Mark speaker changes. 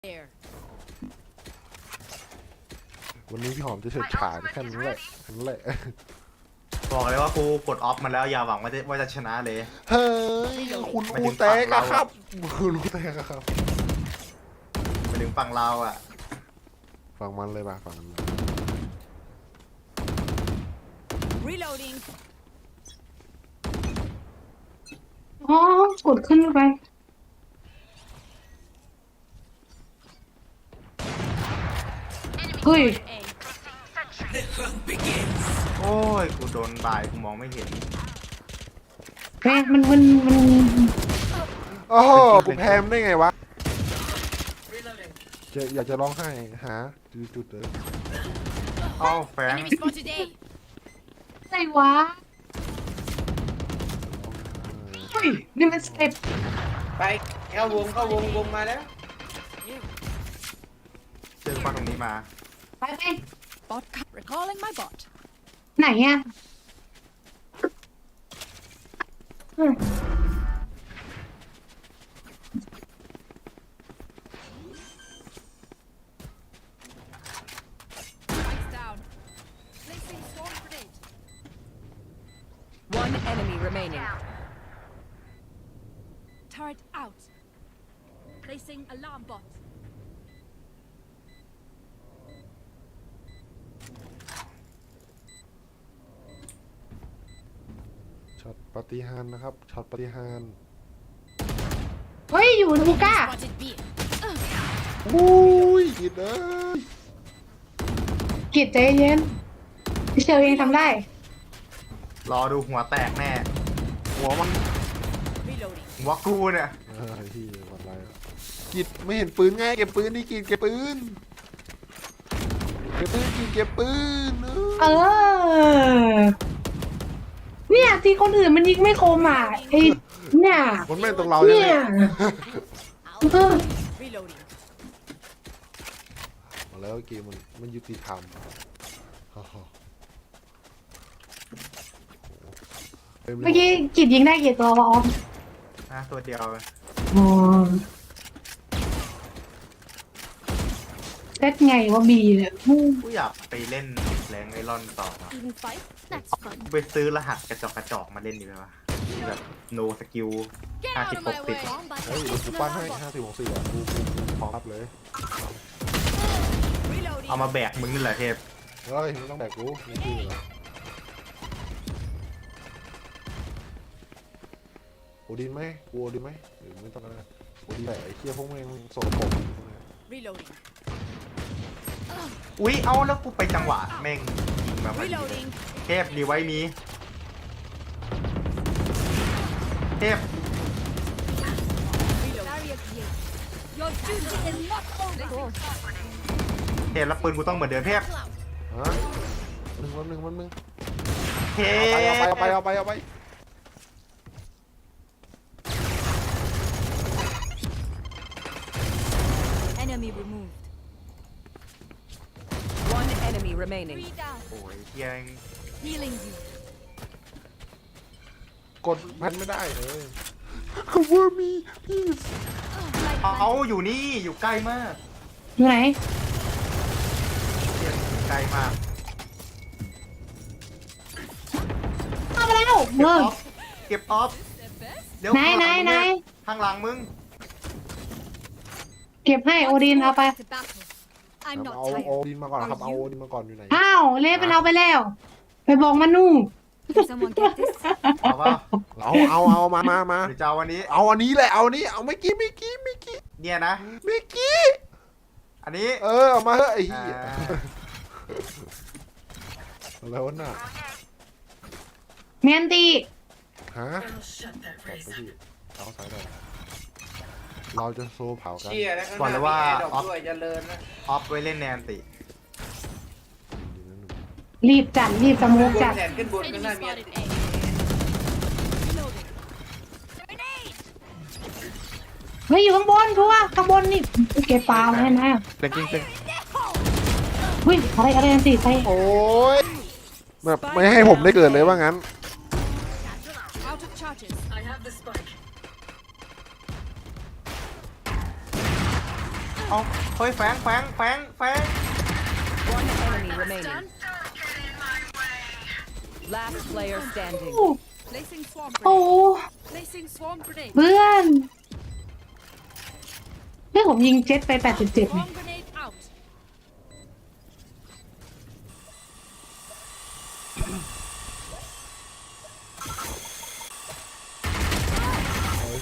Speaker 1: There.
Speaker 2: วันนี้พี่หอมจะเฉิดฉายแค่นั้นแหละ
Speaker 3: บอกเลยว่ากูกดออฟมาแล้วอย่าหวังว่าจะชนะเลย
Speaker 2: เฮ้ยคุณครูแตกอะครับคุณครูแตกอะครับ
Speaker 3: ไปถึงฝั่งเราอ่ะ
Speaker 2: ฟังมันเลยป่ะฟังมัน
Speaker 1: Reloading.
Speaker 4: อ๋อกดขึ้นไปเฮ้ย
Speaker 1: A.
Speaker 3: โอ้ยกูโดนบ่ายกูมองไม่เห็น
Speaker 4: แม่มัน
Speaker 2: โอ้โหกูแพ้มได้ไงวะอยากจะร้องไห้หาจุดเลย
Speaker 3: เอ้าแฟง
Speaker 1: Enemy spotted A.
Speaker 4: อะไรวะเฮ้ยนี่มันสเต็ป
Speaker 5: ไปเข้าวงมาแล้ว
Speaker 3: เจอฝั่งตรงนี้มา
Speaker 4: ไป
Speaker 1: Bot. Recalling my bot.
Speaker 4: ไหนอ่ะ
Speaker 1: Lights down. Placing swarm grenade.
Speaker 6: One enemy remaining.
Speaker 1: Turret out. Placing alarm bot.
Speaker 2: ช็อตปฏิหารย์นะครับช็อตปฏิหารย์
Speaker 4: เฮ้ยอยู่ทูก้า
Speaker 1: Spotted B.
Speaker 2: อุ้ยกินเลย
Speaker 4: กิดใจเย็นพี่เชลเองทำได้
Speaker 3: รอดูหัวแตกแน่
Speaker 2: หัวมัน
Speaker 1: Reloading.
Speaker 3: หัวกูเนี่ย
Speaker 2: ที่วันไรกิดไม่เห็นปืนไงเก็บปืนนี่กิดเก็บปืนกิดเก็บปืน
Speaker 4: เออ เนี่ยที่คนอื่นมันยิงไม่คมอ่ะไอ้เนี่ย
Speaker 2: มันแม่นตรงเราใช่ไหม
Speaker 4: เนี่ยเออ
Speaker 1: Reloading.
Speaker 2: มาแล้วเกมมันยุติธรรม
Speaker 4: เมื่อกี้กิดยิงได้กี่ตัววะออฟ
Speaker 3: นะตัวเดียว
Speaker 4: อ๋อเซตไงวะบีเนี่ย
Speaker 3: กูอยากไปเล่นแรงไอรอนต่อว่ะ
Speaker 1: Even fight? That's fun.
Speaker 3: กูไปซื้อรหัสกระจอกมาเล่นดีไหมวะที่แบบ no skill
Speaker 1: Get out of my
Speaker 3: 50-60
Speaker 1: way.
Speaker 2: เฮ้ยกูปั้นให้50-60อ่ะกูพร้อมรับเลย
Speaker 1: Reloading.
Speaker 3: เอามาแบกมึงนี่แหละเทพ
Speaker 2: เฮ้ยไม่ต้องแบกกูนี่คืออะไรโอดินไหมกูโอดินไหมหรือไม่ต้องนะโอดินแต่ไอ้เคี้ยพวกแม่งโสดผม
Speaker 1: Reloading.
Speaker 3: อุ๊ยเอาแล้วกูไปจังหวะแม่งยิงมาพอดี
Speaker 1: Reloading.
Speaker 3: เทพดีไว้มีเทพ
Speaker 1: Barrier created. Your duty is not over.
Speaker 3: เทพแล้วปืนกูต้องเหมือนเดิมเทพ
Speaker 2: ฮะวันหนึ่ง
Speaker 3: เท
Speaker 2: เอาไป
Speaker 3: พ
Speaker 1: Enemy removed.
Speaker 6: One enemy remaining.
Speaker 1: 3 down.
Speaker 3: โอ้ยเฮียง
Speaker 1: Healing you.
Speaker 2: กดพันไม่ได้เลย cover me please
Speaker 1: Like
Speaker 3: เอาอยู่นี่อยู่ใกล้มาก
Speaker 4: อยู่ไหน
Speaker 3: เฮียอยู่ใกล้มาก
Speaker 4: เข้ามาแล้ว
Speaker 3: เก็บ
Speaker 4: เอ
Speaker 3: อ
Speaker 4: อ
Speaker 3: อฟเก็บออฟเดี๋ยว
Speaker 4: ไหน
Speaker 3: ข้างหลังมึง
Speaker 4: เก็บให้โอดินเอาไป
Speaker 1: to battle. I'm
Speaker 2: เอา
Speaker 1: not
Speaker 2: โอ
Speaker 1: tired.
Speaker 2: ดินมาก่อนครับเอาโอดินมาก่อนอยู่ไหน
Speaker 4: อ้าวเล่ไปเอาไปแล้ว ไปบอกมันนู่น
Speaker 1: Can someone get this?
Speaker 3: เอาป่ะ
Speaker 2: เอามา
Speaker 3: หรือจะเอาวันนี้
Speaker 2: เอาอันนี้แหละเอาอันนี้เอาไม่กี้
Speaker 3: เนี่ยนะ อันนี้
Speaker 2: เอามาเฮ้ยไอ้
Speaker 3: อ่า
Speaker 2: เหี้ยแล้วน่ะ
Speaker 4: เมียนตี
Speaker 2: ฮะเอาสายหน่อยเราจะโซ่เผากัน
Speaker 5: เชี่ยแล้วข้างหน้ามีแอร์ดรอปด้วยเจริญนะ
Speaker 3: ออฟไว้เล่นแนนติ
Speaker 4: รีบจัดรีบสมุก
Speaker 5: บ
Speaker 4: จั
Speaker 5: น
Speaker 4: ด
Speaker 5: แขนขึ้นบนข้าง
Speaker 1: Enemy
Speaker 5: หน้ามี
Speaker 1: spotted A. Reloading. Grenade.
Speaker 4: เฮ้ยอยู่ข้างบนทัวร์ข้างบนนี่เก็บปลาไว้นะ
Speaker 2: เต็ง
Speaker 4: เฮ้ยอะไรอันตีใส่
Speaker 2: โอ้ยแบบไม่ให้ผมได้เกิดเลยว่างั้น
Speaker 1: Out of charges.
Speaker 3: เอาเฮ้ยแฝง
Speaker 6: One enemy remaining.
Speaker 1: Done.
Speaker 6: Last player standing.
Speaker 1: Placing swarm
Speaker 4: โอ้
Speaker 1: grenade. Placing swarm grenade.
Speaker 4: เพื่อนผมยิงเจ็ตไป87
Speaker 1: Swarm